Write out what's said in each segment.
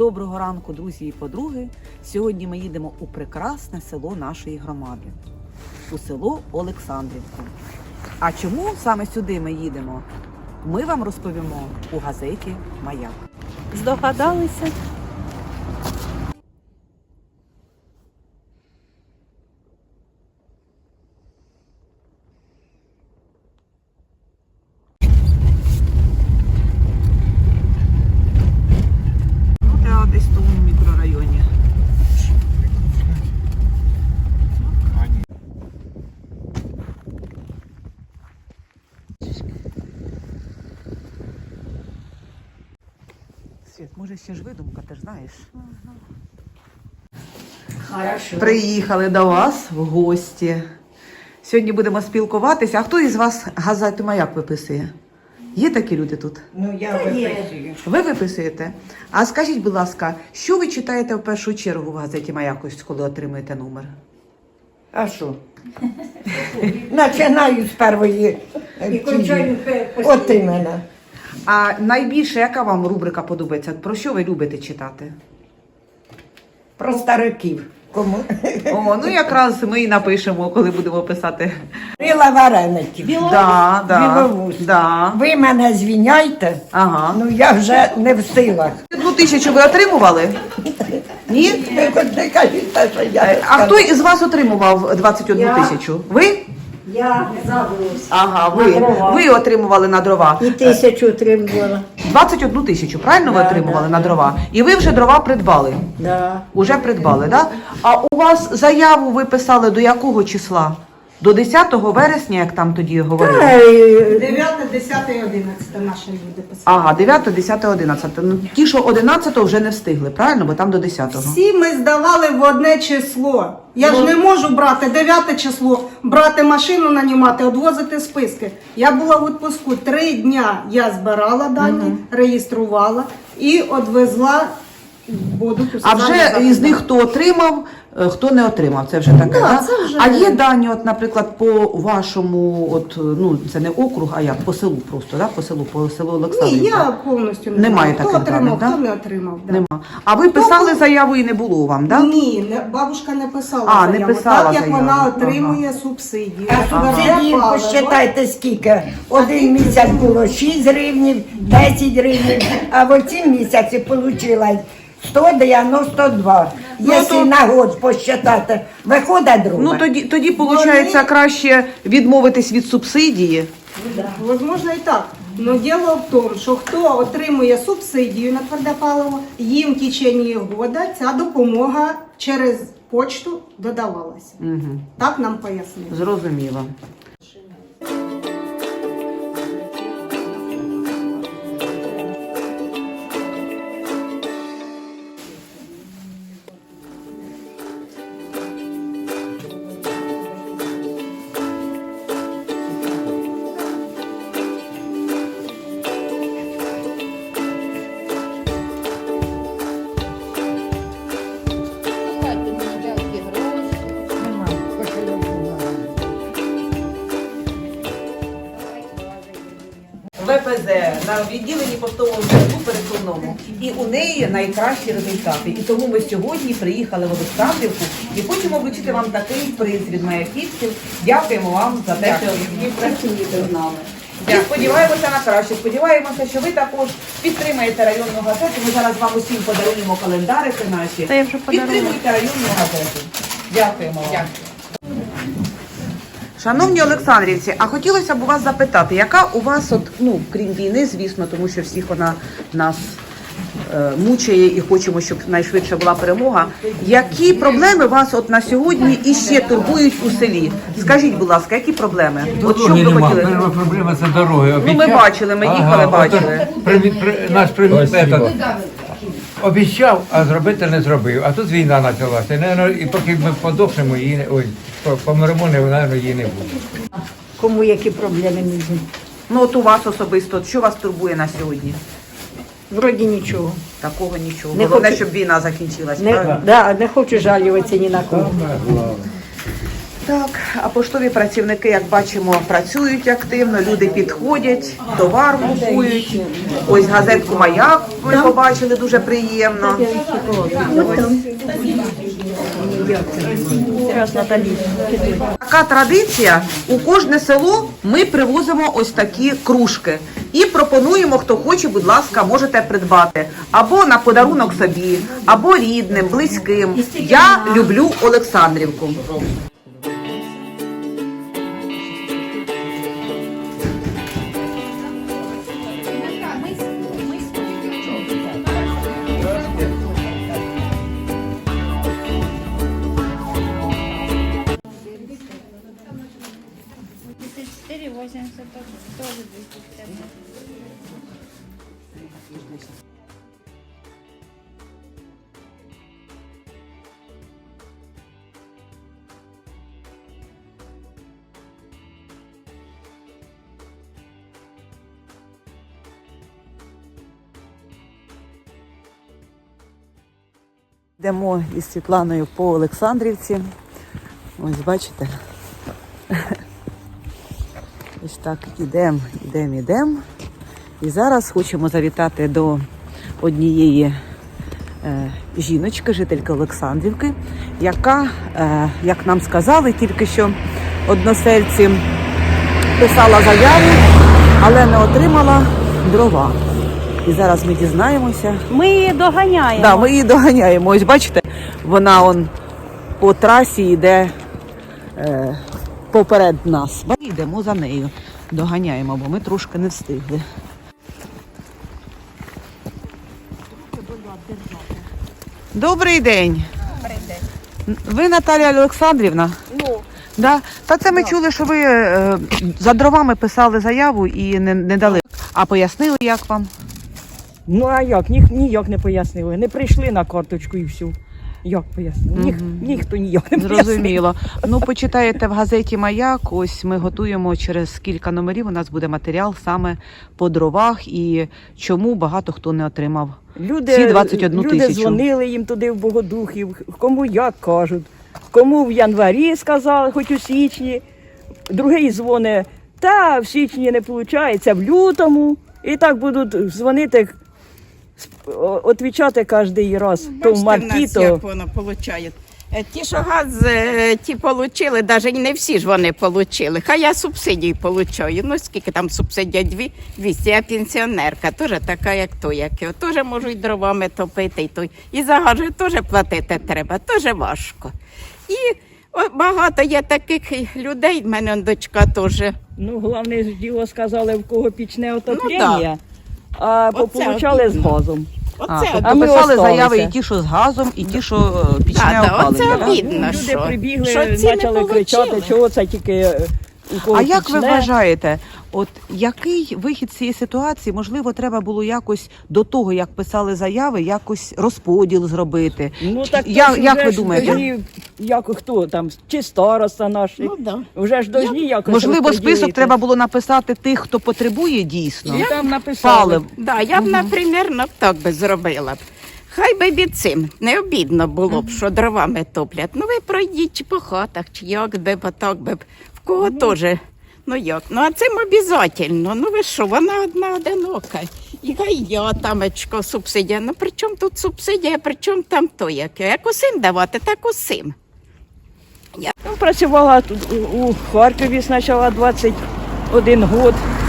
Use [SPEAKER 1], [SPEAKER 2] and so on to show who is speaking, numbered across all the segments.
[SPEAKER 1] Доброго ранку, друзі і подруги! Сьогодні ми їдемо у прекрасне село нашої громади, у село Олександрівку. А чому саме сюди ми їдемо, ми вам розповімо у газеті «Маяк».
[SPEAKER 2] Здогадалися?
[SPEAKER 1] Я десь в тому мікрорайоні. Світ, може ще ж видумка, ти ж знаєш. Приїхали до вас в гості. Сьогодні будемо спілкуватися. А хто із вас газету «Маяк» виписує? Є такі люди тут?
[SPEAKER 3] Ну, я виписую.
[SPEAKER 1] Ви виписуєте? А скажіть, будь ласка, що ви читаєте в першу чергу в газеті «Маяк», коли отримуєте номер?
[SPEAKER 3] А що? Починаю з першої. І кончаю от іменно.
[SPEAKER 1] А найбільше, яка вам рубрика подобається? Про що ви любите читати?
[SPEAKER 3] Про стариків. Кому?
[SPEAKER 1] О, ну якраз ми і напишемо, коли будемо писати.
[SPEAKER 3] Рила вареників. Білоус.
[SPEAKER 1] Да.
[SPEAKER 3] Ви мене звіняйте,
[SPEAKER 1] Ага.
[SPEAKER 3] ну я вже не в силах.
[SPEAKER 1] 1000 ви отримували? Ні?
[SPEAKER 3] Ви хоч не кажіть те, що я.
[SPEAKER 1] А хто із вас отримував 21 тисячу? Ви?
[SPEAKER 4] Я забулась.
[SPEAKER 1] Ага,
[SPEAKER 4] На дрова.
[SPEAKER 1] ви отримували на дрова.
[SPEAKER 4] І 1000 отримувала.
[SPEAKER 1] 21 тисячу, правильно ви
[SPEAKER 4] Да,
[SPEAKER 1] отримували
[SPEAKER 4] да,
[SPEAKER 1] на
[SPEAKER 4] да.
[SPEAKER 1] дрова? І ви вже дрова придбали?
[SPEAKER 4] Да.
[SPEAKER 1] Уже придбали, так? Да? А у вас заяву ви писали до якого числа? До 10 вересня, як там тоді говорили?
[SPEAKER 5] 9, 10 і 11 наші люди писали.
[SPEAKER 1] Ага, 9, 10, 11. Ну, ті, що 11 вже не встигли, правильно? Бо там до 10-го.
[SPEAKER 5] Всі ми здавали в одне число. Я ж не можу брати 9 число, брати машину, нанімати, відвозити списки. Я була в відпуску 3 дня. Я збирала дані, реєструвала і відвезла. Буду
[SPEAKER 1] А вже із них хто отримав, хто не отримав, це вже таке,
[SPEAKER 5] Да,
[SPEAKER 1] да?
[SPEAKER 5] це вже-
[SPEAKER 1] А є дані, от, наприклад, по вашому, от, ну, це не округ, а як, по селу просто, да? По селу
[SPEAKER 5] Ні,
[SPEAKER 1] Олександрівка?
[SPEAKER 5] я повністю не
[SPEAKER 1] Немає
[SPEAKER 5] знаю, хто
[SPEAKER 1] таких
[SPEAKER 5] отримав,
[SPEAKER 1] даних,
[SPEAKER 5] хто
[SPEAKER 1] да?
[SPEAKER 5] не отримав. Да.
[SPEAKER 1] Нема. А ви писали заяву і не було вам, так? Да?
[SPEAKER 5] Ні, бабушка не писала
[SPEAKER 1] А, не
[SPEAKER 5] заяву,
[SPEAKER 1] писала
[SPEAKER 5] так як
[SPEAKER 1] заяву.
[SPEAKER 5] вона отримує субсидії.
[SPEAKER 3] А субсидії посчитайте скільки. Один місяць було 6 гривнів, 10 гривень, а в цім місяці вийшло 192. Якщо на год посчитати, виходить друге.
[SPEAKER 1] Ну, тоді виходить, краще відмовитись від субсидії.
[SPEAKER 5] Возможно і так. Но діло в тому, що хто отримує субсидію на тверде паливо, їм в течение года ця допомога через почту додавалася.
[SPEAKER 1] Угу.
[SPEAKER 5] Так нам пояснили.
[SPEAKER 1] Зрозуміло. ВПЗ на відділенні поштового зв'язку пересувному. І у неї найкращі результати. І тому ми сьогодні приїхали в Олександрівку і хочемо вручити вам такий приз від маяківців. Дякуємо вам за те, що ви працюєте з нами. І сподіваємося на краще. Сподіваємося, що ви також підтримаєте районну газету. Ми зараз вам усім подаруємо календарики наші.
[SPEAKER 2] Та я вже подарувала.
[SPEAKER 1] Підтримуйте районну газету. Дякуємо вам. Шановні олександрівці, а хотілося б у вас запитати, яка у вас, от, ну, крім війни, звісно, тому що всіх вона нас мучає і хочемо, щоб найшвидше була перемога, які проблеми вас от на сьогодні іще турбують у селі? Скажіть, будь ласка, які проблеми? От що б ви хотіли?
[SPEAKER 6] Перша проблема це дороги.
[SPEAKER 1] Ну, ми бачили, ми їхали, бачили.
[SPEAKER 6] Наш метод обіцяв, а зробити не зробив. А тут війна почалася. І поки ми подохнемо, її не, ой, помремо, мабуть, її не буде.
[SPEAKER 4] Кому які проблеми не будуть?
[SPEAKER 1] Ну, от у вас особисто, що вас турбує на сьогодні?
[SPEAKER 4] Вроді нічого.
[SPEAKER 1] Такого нічого.
[SPEAKER 4] Не
[SPEAKER 1] Головне,
[SPEAKER 4] хочу-
[SPEAKER 1] щоб війна закінчилась,
[SPEAKER 4] Не,
[SPEAKER 1] правильно?
[SPEAKER 4] да, не хочу жалюватися ні на кого.
[SPEAKER 1] Так, а поштові працівники, як бачимо, працюють активно, люди підходять, товар купують. Ось газетку «Маяк» ви побачили, дуже приємно. Така традиція, у кожне село ми привозимо ось такі кружки. І пропонуємо, хто хоче, будь ласка, можете придбати. Або на подарунок собі, або рідним, близьким. Я люблю Олександрівку. Йдемо із Світланою по Олександрівці. Ось бачите. Ось так ідемо. І зараз хочемо завітати до однієї жіночки, жительки Олександрівки, яка, як нам сказали, тільки що односельці писала заяву, але не отримала дрова. І зараз ми дізнаємося.
[SPEAKER 2] Ми її доганяємо.
[SPEAKER 1] Да, ми її доганяємо. Ось бачите, вона по трасі йде поперед нас. Йдемо за нею, доганяємо, бо ми трошки не встигли. Добрий день. Добрий день. Ви Наталія Олександрівна?
[SPEAKER 2] Ну.
[SPEAKER 1] Да? Та це ми чули, що ви за дровами писали заяву і не дали. А пояснили, як вам?
[SPEAKER 7] Ну а як? Ніяк не пояснили. Не прийшли на карточку і все. Як пояснили? Ніхто ніяк не пояснив.
[SPEAKER 1] Зрозуміло. Ну, почитаєте в газеті «Маяк», ось ми готуємо через кілька номерів, у нас буде матеріал саме по дровах і чому багато хто не отримав ці 21
[SPEAKER 7] люди
[SPEAKER 1] тисячу.
[SPEAKER 7] дзвонили їм туди в Богодухів, кому як кажуть. Кому в январі сказали, хоч у січні. Другий дзвонить, та в січні не виходить, в лютому. І так будуть дзвонити, відповідати кожен раз. То в марті, то...
[SPEAKER 8] як воно виходить. Ті, що газ ті отримали, навіть не всі ж вони отримали. Хай я субсидії отримую. Ну, скільки там субсидія? 200. Я пенсіонерка, теж така, як той, як я. Теж можу і дровами топити, і за газ теж платити треба, теж важко. І багато є таких людей, в мене дочка теж.
[SPEAKER 7] Ну, головне ж діло сказали, в кого пічне отоплення,
[SPEAKER 8] Ну,
[SPEAKER 7] а
[SPEAKER 8] Оце
[SPEAKER 7] получали з
[SPEAKER 8] обідно.
[SPEAKER 7] газом.
[SPEAKER 8] Оце
[SPEAKER 1] Тобто
[SPEAKER 7] А ми
[SPEAKER 1] писали
[SPEAKER 7] осталися.
[SPEAKER 1] заяви і ті, що з газом, і ті, що пічне опалення.
[SPEAKER 8] оце
[SPEAKER 1] да?
[SPEAKER 8] обідно.
[SPEAKER 7] Люди
[SPEAKER 8] що?
[SPEAKER 7] прибігли,
[SPEAKER 8] Що ці не
[SPEAKER 7] почали кричати,
[SPEAKER 8] получили?
[SPEAKER 7] чого це тільки у кого
[SPEAKER 1] А як ви
[SPEAKER 7] пічне.
[SPEAKER 1] вважаєте, от який вихід з цієї ситуації, можливо, треба було якось до того, як писали заяви, якось розподіл зробити?
[SPEAKER 7] Ну так
[SPEAKER 1] Як ви
[SPEAKER 7] ж
[SPEAKER 1] думаєте?
[SPEAKER 7] должні, як хто там, чи староста наш,
[SPEAKER 8] Ну, да.
[SPEAKER 7] вже ж должні якось
[SPEAKER 1] Можливо,
[SPEAKER 7] розподілити.
[SPEAKER 1] список треба було написати тих, хто потребує дійсно.
[SPEAKER 7] І там написали.
[SPEAKER 1] Палив.
[SPEAKER 8] Да, я б, наприклад, так би зробила б. Хай би від цим не обідно було б, що дровами топлять. Ну ви пройдіть чи по хатах, чи як би, бо так би, в кого теж. Ну як? Ну а цим обов'язково. Ну ви що, вона одна одинока. І хай я тамечко субсидія. Ну при чому тут субсидія, при чому там то яке? Як усім давати, так усім.
[SPEAKER 7] Ну, працювала тут у Харкові спочатку 21 год.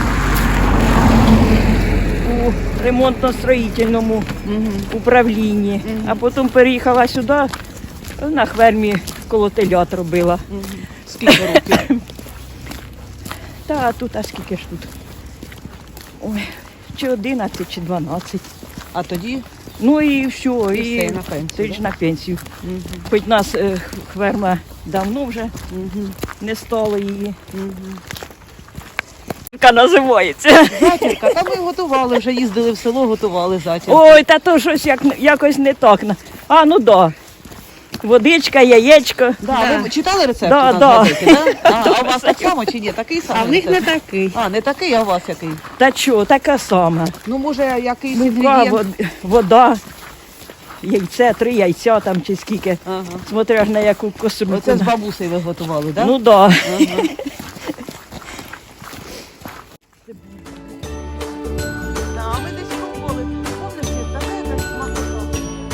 [SPEAKER 7] У ремонтно-строїтельному управлінні. А потім переїхала сюди, на хвермі коло телят робила.
[SPEAKER 1] Скільки років?
[SPEAKER 7] Та тут, а скільки ж тут? Ой, чи 11, чи 12.
[SPEAKER 1] А тоді
[SPEAKER 7] Ну і все,
[SPEAKER 1] І
[SPEAKER 7] і
[SPEAKER 1] все, на пенсію,
[SPEAKER 7] тоді ж
[SPEAKER 1] да?
[SPEAKER 7] на пенсію. Хоч нас хверма давно вже не стало її. Яка називається.
[SPEAKER 1] затірка, та ми готували, вже їздили в село, готували затірку.
[SPEAKER 7] Ой, та то щось якось не так. А, ну да. Водичка, яєчко.
[SPEAKER 1] Да, ви читали рецепт
[SPEAKER 7] Да,
[SPEAKER 1] у нас
[SPEAKER 7] да.
[SPEAKER 1] в газеті, да? А у вас так само чи ні? Такий самий?
[SPEAKER 2] А в них не
[SPEAKER 1] рецепт?
[SPEAKER 2] такий.
[SPEAKER 1] А, не такий, а у вас який?
[SPEAKER 7] Та що, така сама.
[SPEAKER 1] Ну, може, якийсь
[SPEAKER 7] Мука,
[SPEAKER 1] інгредієнт?
[SPEAKER 7] вода. яйце, 3 яйця там чи скільки.
[SPEAKER 1] Ага.
[SPEAKER 7] Смотря ж на яку костру.
[SPEAKER 1] Оце з бабусею ви готували, так?
[SPEAKER 7] Ну так. Да.
[SPEAKER 1] Да, ми десь пробували. Помниш, така якась смакота.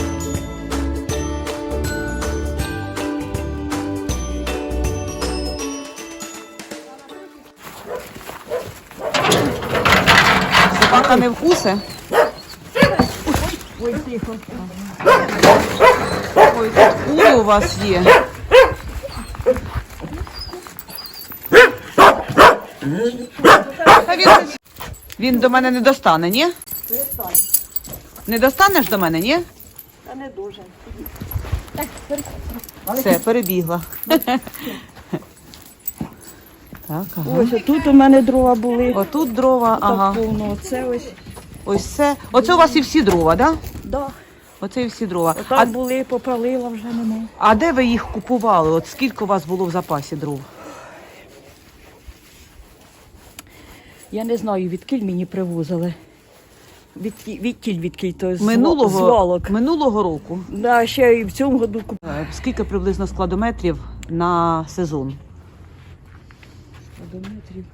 [SPEAKER 1] Собака не вкусе?
[SPEAKER 7] Ой, тихо.
[SPEAKER 1] Ой, кури у вас є. Та він до мене не достане, ні? Не достанеш до мене, ні?
[SPEAKER 7] Та не дуже.
[SPEAKER 1] Все, перебігла. Так, ага.
[SPEAKER 7] Ось тут у мене дрова були.
[SPEAKER 1] Отут дрова, ага.
[SPEAKER 7] Так повно. Оце ось.
[SPEAKER 1] Ось це. Оце у вас і всі дрова, так? Да?
[SPEAKER 7] Да.
[SPEAKER 1] Оце і всі дрова.
[SPEAKER 7] Там були, попалила, вже нема.
[SPEAKER 1] А де ви їх купували? От скільки у вас було в запасі дров?
[SPEAKER 7] Я не знаю, відкіль мені привозили. Відкіль, то з
[SPEAKER 1] Минулого,
[SPEAKER 7] валок.
[SPEAKER 1] минулого року.
[SPEAKER 7] Да, ще і в цьому году купили.
[SPEAKER 1] Скільки приблизно складометрів на сезон?
[SPEAKER 7] Складометрів.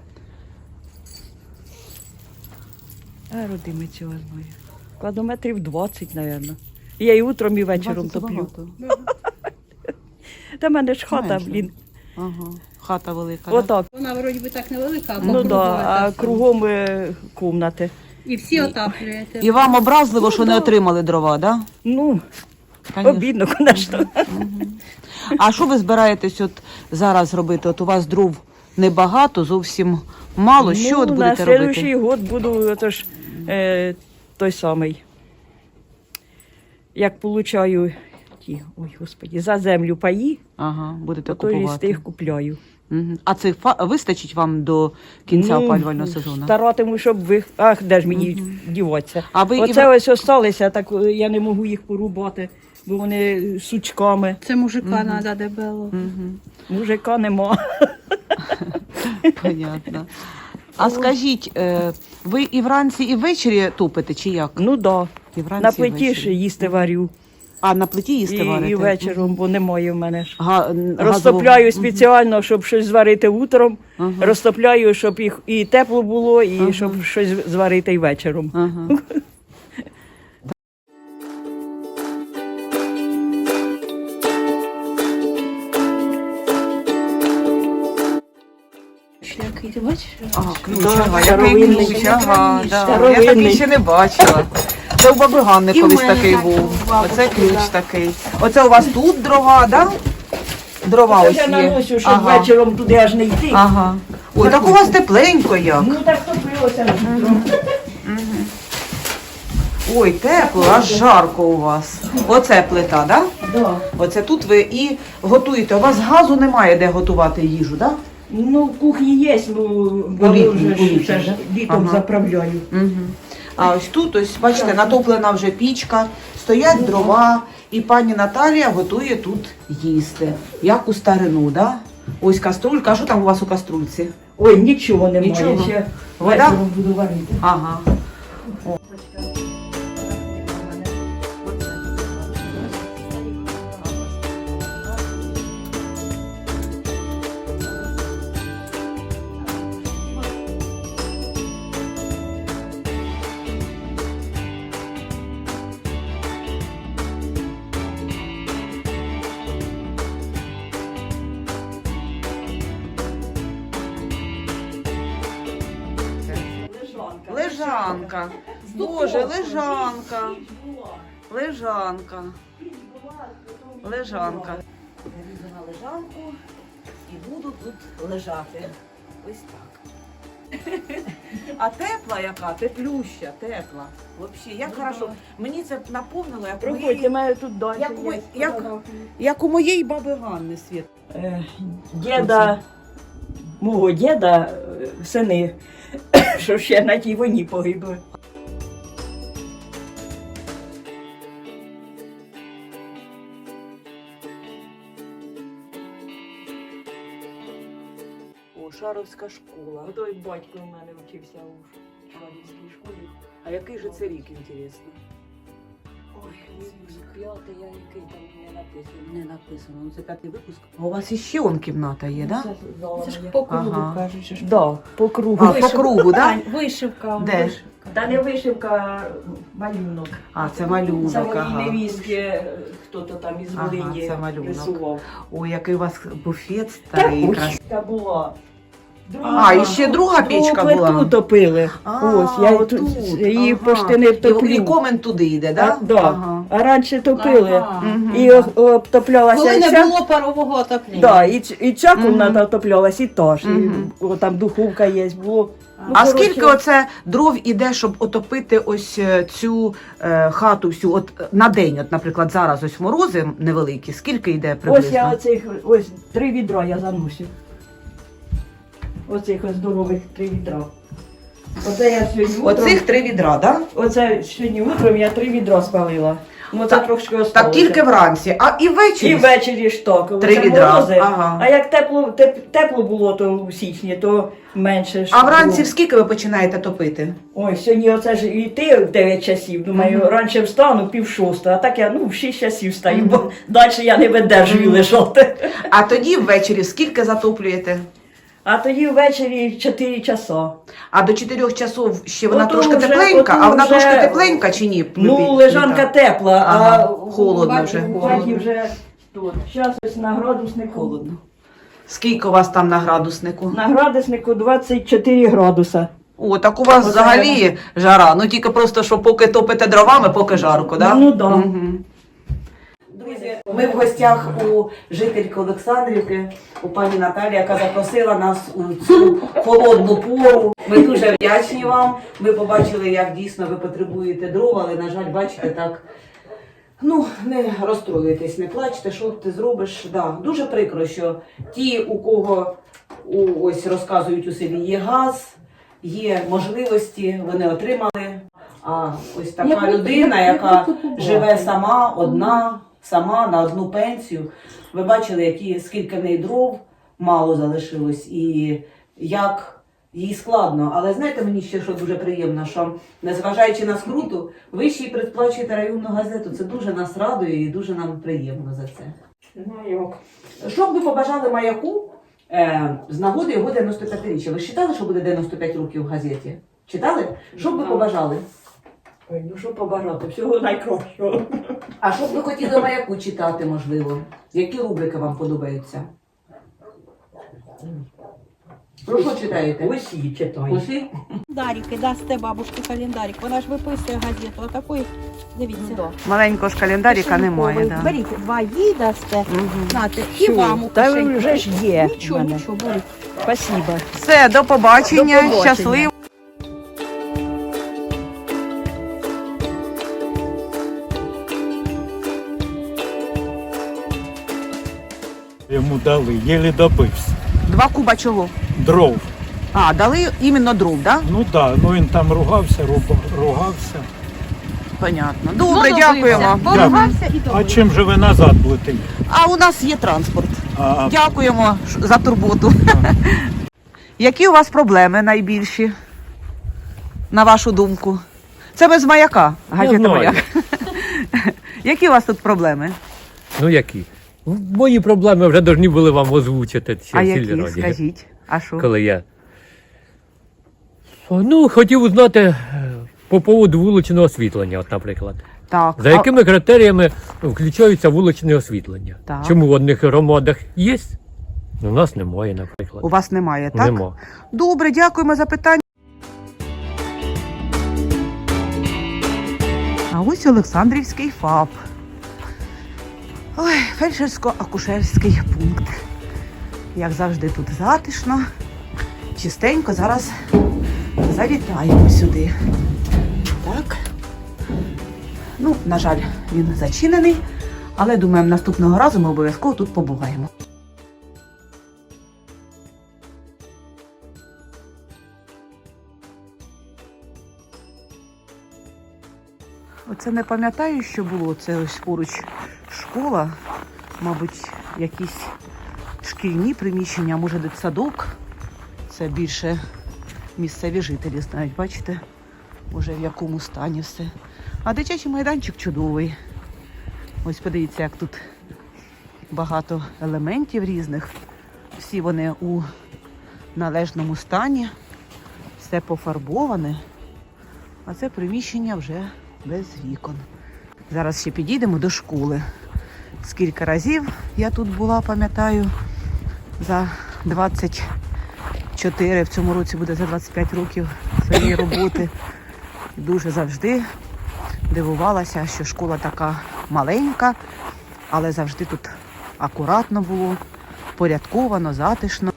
[SPEAKER 7] Родими цього знаю. Складометрів 20, мабуть. Я і утром, і вечором
[SPEAKER 1] 20 це
[SPEAKER 7] топлю.
[SPEAKER 1] багато.
[SPEAKER 7] Та в мене ж хата,
[SPEAKER 1] Менше.
[SPEAKER 7] блін.
[SPEAKER 1] Ага. Хата велика. Да?
[SPEAKER 7] Отак.
[SPEAKER 9] Вона вроді би так невелика, а
[SPEAKER 7] Ну
[SPEAKER 9] по
[SPEAKER 7] да,
[SPEAKER 9] кругу
[SPEAKER 7] а
[SPEAKER 9] так.
[SPEAKER 7] кругом кімнати.
[SPEAKER 9] І всі отаплюєте.
[SPEAKER 1] І вам образливо, що не отримали дрова, так?
[SPEAKER 7] Ну,
[SPEAKER 1] Да?
[SPEAKER 7] обідно, звісно.
[SPEAKER 1] А що ви збираєтесь от зараз робити? От у вас дров небагато, зовсім мало. Що от будете
[SPEAKER 7] на
[SPEAKER 1] робити?
[SPEAKER 7] наступний год буду отож, той самий. Як получаю ті, ой, господі, за землю паї,
[SPEAKER 1] Ага, будете
[SPEAKER 7] то і з
[SPEAKER 1] купувати.
[SPEAKER 7] тих купляю.
[SPEAKER 1] Мгм. А це вистачить вам до кінця опалювального сезону?
[SPEAKER 7] Старатиму, щоб ви. Ах, де ж мені діватися?
[SPEAKER 1] А ви
[SPEAKER 7] Оце ось осталися, так я не можу їх порубати, бо вони сучками.
[SPEAKER 9] Це мужика треба дебело.
[SPEAKER 7] Мужика нема.
[SPEAKER 1] Понятно. А скажіть, ви і вранці, і ввечері топите, чи як?
[SPEAKER 7] Ну так. Да.
[SPEAKER 1] І вранці,
[SPEAKER 7] На
[SPEAKER 1] і
[SPEAKER 7] плиті
[SPEAKER 1] ввечері.
[SPEAKER 7] ж їсти варю.
[SPEAKER 1] А на плиті їсти варите?
[SPEAKER 7] І вечором, бо немає в мене ж.
[SPEAKER 1] Газову-
[SPEAKER 7] Розтопляю спеціально, щоб щось зварити утром.
[SPEAKER 1] Ага.
[SPEAKER 7] Розтопляю, щоб їх і тепло було, і щоб щось зварити і вечором.
[SPEAKER 1] Ага.
[SPEAKER 9] Який ти бачиш?
[SPEAKER 1] Ага, ключ,
[SPEAKER 7] Да,
[SPEAKER 1] ага,
[SPEAKER 7] старовинний.
[SPEAKER 1] який ключ, ага, да. Я
[SPEAKER 7] Старовинний.
[SPEAKER 1] такий ще не бачила. Це у баби Ганни колись такий був. Оце ключ такий. Оце у вас тут дрова, да? Дрова
[SPEAKER 7] Це
[SPEAKER 1] ось
[SPEAKER 7] я
[SPEAKER 1] є.
[SPEAKER 7] наносю, щоб
[SPEAKER 1] Ага.
[SPEAKER 7] вечором туди аж не йти.
[SPEAKER 1] Ага. Ой, так у вас тепленько як.
[SPEAKER 7] Ну так топилося.
[SPEAKER 1] Ой, тепло, аж жарко у вас. Оце плита, да?
[SPEAKER 7] Да.
[SPEAKER 1] Оце тут ви і готуєте. У вас газу немає, де готувати їжу, да?
[SPEAKER 7] Ну, в кухні є, ну, бо
[SPEAKER 1] літній,
[SPEAKER 7] вже
[SPEAKER 1] у літній,
[SPEAKER 7] це ж
[SPEAKER 1] да?
[SPEAKER 7] літом
[SPEAKER 1] Ага.
[SPEAKER 7] заправляю.
[SPEAKER 1] Угу. А ось тут, ось, бачите, натоплена вже пічка, стоять дрова, і пані Наталія готує тут їсти. Як у старину, да? Ось каструлька. А що там у вас у каструльці?
[SPEAKER 7] Ой, нічого немає.
[SPEAKER 1] Нічого?
[SPEAKER 7] Ще
[SPEAKER 1] Вода?
[SPEAKER 7] вечором буду варити.
[SPEAKER 1] Ага. Лежанка. Боже, лежанка. Лежанка. Лежанка. Залізу на лежанку і буду тут лежати. Ось так. А тепла яка? Теплюща, тепла. Взагалі, як хорошо. Мені це наповнило, як
[SPEAKER 7] Проходьте,
[SPEAKER 1] моєї,
[SPEAKER 7] мене тут далі.
[SPEAKER 1] як,
[SPEAKER 7] є.
[SPEAKER 1] як у моєї баби Ганни, Світ.
[SPEAKER 7] Діда, мого діда, сини, що ще на тій війні погибли. О, Шаровська школа. Той батько у мене вчився у Шаровській школі.
[SPEAKER 1] А який же це рік, інтересно? Не написано. Ну, це 5-й випуск. А у вас іще он кімната є, так? Да?
[SPEAKER 9] Це ж по кругу
[SPEAKER 1] Ага.
[SPEAKER 9] кажуть. що ж.
[SPEAKER 7] Да, по кругу.
[SPEAKER 1] А, по кругу, так?
[SPEAKER 9] Ань, вишивка.
[SPEAKER 1] Де?
[SPEAKER 9] вишивка.
[SPEAKER 7] Та не вишивка, а малюнок.
[SPEAKER 1] А, це малюнок.
[SPEAKER 7] Це моїй
[SPEAKER 1] ага.
[SPEAKER 7] невістки, хто-то там із
[SPEAKER 1] Ага,
[SPEAKER 7] Волині
[SPEAKER 1] це малюнок.
[SPEAKER 7] рисував.
[SPEAKER 1] Ой, який у вас буфет старий.
[SPEAKER 7] Та
[SPEAKER 1] красивий.
[SPEAKER 7] печка була.
[SPEAKER 1] А, і ще друга печка
[SPEAKER 7] Другу
[SPEAKER 1] була?
[SPEAKER 7] плиту топили. Ось, я
[SPEAKER 1] отут,
[SPEAKER 7] її
[SPEAKER 1] ага.
[SPEAKER 7] почти не втоплю.
[SPEAKER 1] І комен туди йде, так?
[SPEAKER 7] Да?
[SPEAKER 1] Ага.
[SPEAKER 7] А раніше топили.
[SPEAKER 9] Ага.
[SPEAKER 7] І обтоплялася
[SPEAKER 9] Коли не
[SPEAKER 7] ця.
[SPEAKER 9] було парового отоплення.
[SPEAKER 7] Да, і ця кімната отоплялась, і та ж. І, там духовка є, було. Ну,
[SPEAKER 1] А
[SPEAKER 7] коротше,
[SPEAKER 1] скільки оце дров іде, щоб отопити ось цю хату всю, от на день, от, наприклад, зараз ось морози невеликі, скільки йде приблизно?
[SPEAKER 7] Ось я оцих, ось 3 відра я заносив. Оцих ось здорових 3 відра. Оце я сьогодні утром,
[SPEAKER 1] Оцих 3 відра, так?
[SPEAKER 7] оце сьогодні утром я 3 відра спалила. Ну це
[SPEAKER 1] Так-
[SPEAKER 7] трошки
[SPEAKER 1] Так
[SPEAKER 7] осталося.
[SPEAKER 1] тільки вранці, а і ввечері?
[SPEAKER 7] І ввечері ж так.
[SPEAKER 1] 3
[SPEAKER 7] Це
[SPEAKER 1] відра,
[SPEAKER 7] морози.
[SPEAKER 1] ага.
[SPEAKER 7] А як тепло було то у січні, то менше ж
[SPEAKER 1] А вранці
[SPEAKER 7] було.
[SPEAKER 1] в скільки ви починаєте топити?
[SPEAKER 7] Ой, сьогодні оце ж йти в 9 часів, думаю, раніше встану 5:06, а так я в 6 часів встаю, бо далі я не видержую лежати.
[SPEAKER 1] А тоді ввечері скільки затоплюєте?
[SPEAKER 7] А тоді ввечері 4 часа.
[SPEAKER 1] А до 4 часов ще вона
[SPEAKER 7] Ото
[SPEAKER 1] трошки
[SPEAKER 7] вже-
[SPEAKER 1] тепленька,
[SPEAKER 7] ото
[SPEAKER 1] а вона
[SPEAKER 7] вже-
[SPEAKER 1] трошки тепленька чи ні?
[SPEAKER 7] Ну, лежанка тепла,
[SPEAKER 1] Ага,
[SPEAKER 7] а
[SPEAKER 1] холодно вже.
[SPEAKER 7] У хаті вже тут. Зараз ось на градуснику.
[SPEAKER 1] Холодно. Скільки у вас там на градуснику?
[SPEAKER 7] На градуснику 24 градуса.
[SPEAKER 1] О, так у вас
[SPEAKER 7] Оце
[SPEAKER 1] взагалі жара. Ну тільки просто, що поки топите дровами, поки жарко, так?
[SPEAKER 7] Ну, да.
[SPEAKER 1] Мгм. Друзі, ми в гостях у жительки Олександрівки, у пані Наталі, яка запросила нас у цю холодну пору. Ми дуже вдячні вам. Ми побачили, як дійсно ви потребуєте дров, але, на жаль, бачите, так. Ну, не розстроюйтесь, не плачте, що ти зробиш. Да, дуже прикро, що ті, у кого ось розказують у селі, є газ, є можливості, вони отримали. А ось така людина, яка живе сама, одна, сама на одну пенсію. Ви бачили, скільки в неї дров мало залишилось і як їй складно. Але знаєте, мені ще що дуже приємно, що незважаючи на скруту, ви ще й предплачуєте районну газету. Це дуже нас радує і дуже нам приємно за це. Що б ви побажали Маяку з нагоди його 95-річчя? Ви ж читали, що буде 95 років в газеті? Читали? Що б ви побажали?
[SPEAKER 7] Ой, ну що побажати, всього найкращого.
[SPEAKER 1] А що б ви хотіли Маяку читати, можливо? Які рубрики вам подобаються? Про що читаєте?
[SPEAKER 7] Усі читаю.
[SPEAKER 1] Усі?
[SPEAKER 9] Календарики, дасте бабушці календарик. Вона ж виписує газету. Отакої, дивіться.
[SPEAKER 1] Маленького ж календарика немає, да.
[SPEAKER 9] Беріть, 2 їй дасте. Знаєте, і
[SPEAKER 7] Що?
[SPEAKER 9] вам у
[SPEAKER 7] Та
[SPEAKER 9] кишеньку.
[SPEAKER 7] вже ж є в
[SPEAKER 9] Нічого,
[SPEAKER 7] мене.
[SPEAKER 9] нічого, беріть.
[SPEAKER 7] Спасибо.
[SPEAKER 1] Все, до побачення,
[SPEAKER 7] До побачення.
[SPEAKER 1] щасливо.
[SPEAKER 10] Йому дали, єлі добився.
[SPEAKER 1] 2 куба чого?
[SPEAKER 10] Дров.
[SPEAKER 1] А, дали іменно дров, да?
[SPEAKER 10] Ну так, ну він там ругався, ругався.
[SPEAKER 1] Понятно. Добре, дякуємо.
[SPEAKER 9] Поругався і
[SPEAKER 10] А
[SPEAKER 9] добре.
[SPEAKER 10] чим же ви назад будете?
[SPEAKER 1] А у нас є транспорт.
[SPEAKER 10] А
[SPEAKER 1] Дякуємо за турботу. Які у вас проблеми найбільші, на вашу думку? Це ми з Маяка, газета
[SPEAKER 11] знаю.
[SPEAKER 1] Маяк. Які у вас тут проблеми?
[SPEAKER 11] Ну які? Мої проблеми вже повинні були вам озвучити ще
[SPEAKER 1] А
[SPEAKER 11] в
[SPEAKER 1] які?
[SPEAKER 11] сільраді.
[SPEAKER 1] Скажіть. А що?
[SPEAKER 11] Коли я. Ну, хотів узнати по поводу вуличного освітлення, от, наприклад.
[SPEAKER 1] Так.
[SPEAKER 11] За якими критеріями включаються вуличне освітлення?
[SPEAKER 1] Так.
[SPEAKER 11] Чому в одних громадах є? У нас немає, наприклад.
[SPEAKER 1] У вас немає, так?
[SPEAKER 11] Нема.
[SPEAKER 1] Добре, дякуємо за питання. А ось Олександрівський ФАП. Ой, фельдшерсько-акушерський пункт. Як завжди, тут затишно, чистенько. Зараз завітаємо сюди. Так. Ну, на жаль, він зачинений, але думаємо, наступного разу ми обов'язково тут побуваємо. Оце не пам'ятаю, що було. Це ось поруч школа, мабуть, якісь шкільні приміщення, а може дитсадок. Це більше місцеві жителі знають, бачите? уже в якому стані все. А дитячий майданчик чудовий. Ось подивіться, як тут багато елементів різних. Всі вони у належному стані. Все пофарбоване. А це приміщення вже без вікон. Зараз ще підійдемо до школи. Скільки разів я тут була, пам'ятаю, за 24, в цьому році буде за 25 років своєї роботи. Дуже завжди дивувалася, що школа така маленька, але завжди тут акуратно було, порядковано, затишно.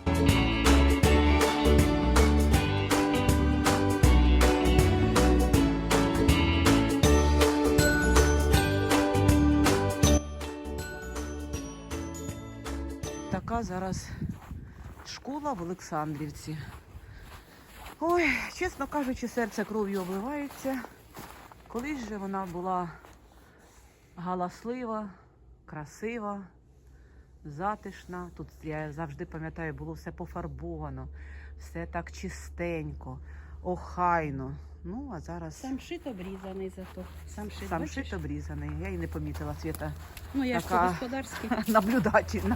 [SPEAKER 1] Така зараз школа в Олександрівці. Ой, чесно кажучи, серце кров'ю обливається. Колись же вона була галаслива, красива, затишна. Тут, я завжди пам'ятаю, було все пофарбовано, все так чистенько, охайно. Ну, а зараз...
[SPEAKER 9] Сам шит обрізаний зато. Сам шит,
[SPEAKER 1] Сам
[SPEAKER 9] бачиш?
[SPEAKER 1] шит обрізаний. Я і не помітила, Світа.
[SPEAKER 9] Ну, я ж
[SPEAKER 1] така
[SPEAKER 9] по-господарськи.
[SPEAKER 1] наблюдательна.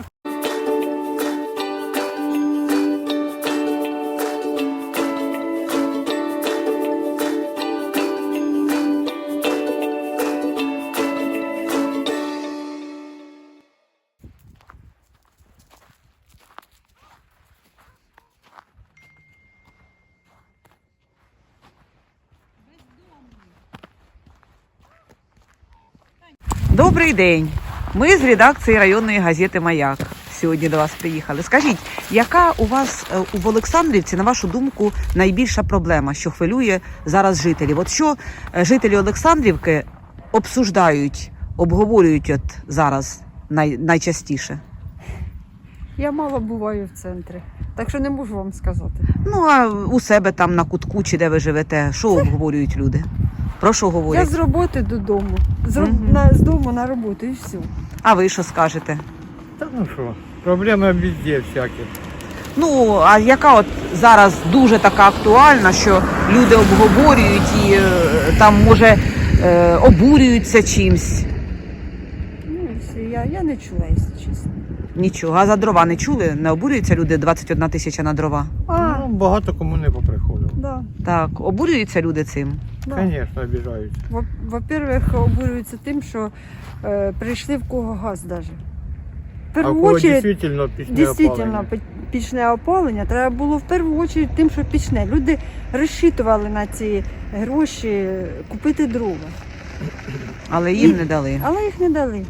[SPEAKER 1] Добрий день. Ми з редакції районної газети «Маяк» сьогодні до вас приїхали. Скажіть, яка у вас в Олександрівці, на вашу думку, найбільша проблема, що хвилює зараз жителів? От що жителі Олександрівки обсуждають, обговорюють от зараз найчастіше?
[SPEAKER 2] Я мало буваю в центрі, так що не можу вам сказати.
[SPEAKER 1] Ну, а у себе там на кутку, чи де ви живете, що обговорюють люди? Про що
[SPEAKER 2] Я
[SPEAKER 1] говорять?
[SPEAKER 2] з роботи додому, з дому на роботу і все.
[SPEAKER 1] А ви що скажете?
[SPEAKER 6] Та ну що, проблеми везде всякі.
[SPEAKER 1] Ну, а яка от зараз дуже така актуальна, що люди обговорюють і там, може, обурюються чимсь?
[SPEAKER 2] Ну і все, я не чула, якщо чесно.
[SPEAKER 1] Нічого. А за дрова не чули? Не обурюються люди 21 тисяча на дрова?
[SPEAKER 6] Ну, багато кому не поприходило.
[SPEAKER 2] Да.
[SPEAKER 1] Так, обурюються люди цим?
[SPEAKER 2] Да.
[SPEAKER 6] Звісно, обіжаються.
[SPEAKER 2] Во-первых, обурюються тим, що прийшли в кого газ навіть. В
[SPEAKER 6] А
[SPEAKER 2] першу
[SPEAKER 6] кого
[SPEAKER 2] очередь,
[SPEAKER 6] дійсно опалення?
[SPEAKER 2] пічне опалення треба було в першу чергу тим, що пічне. Люди розчитували на ці гроші купити дрова,
[SPEAKER 1] Але їм не дали.
[SPEAKER 2] але їх не дали.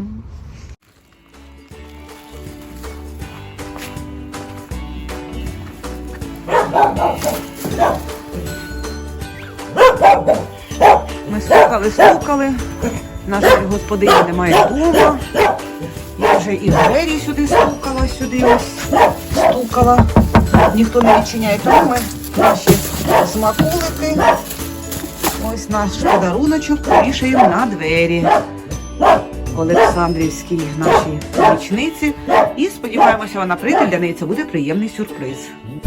[SPEAKER 1] Ми стукали. Наша господиня немає вдома. Я вже і двері сюди стукала, стукала. Ніхто не відчиняє, тому ми наші смаколики. Ось наш подаруночок повішаємо на двері. Олександрівській нашій помічниці. І сподіваємося, вона прийде, для неї це буде приємний сюрприз.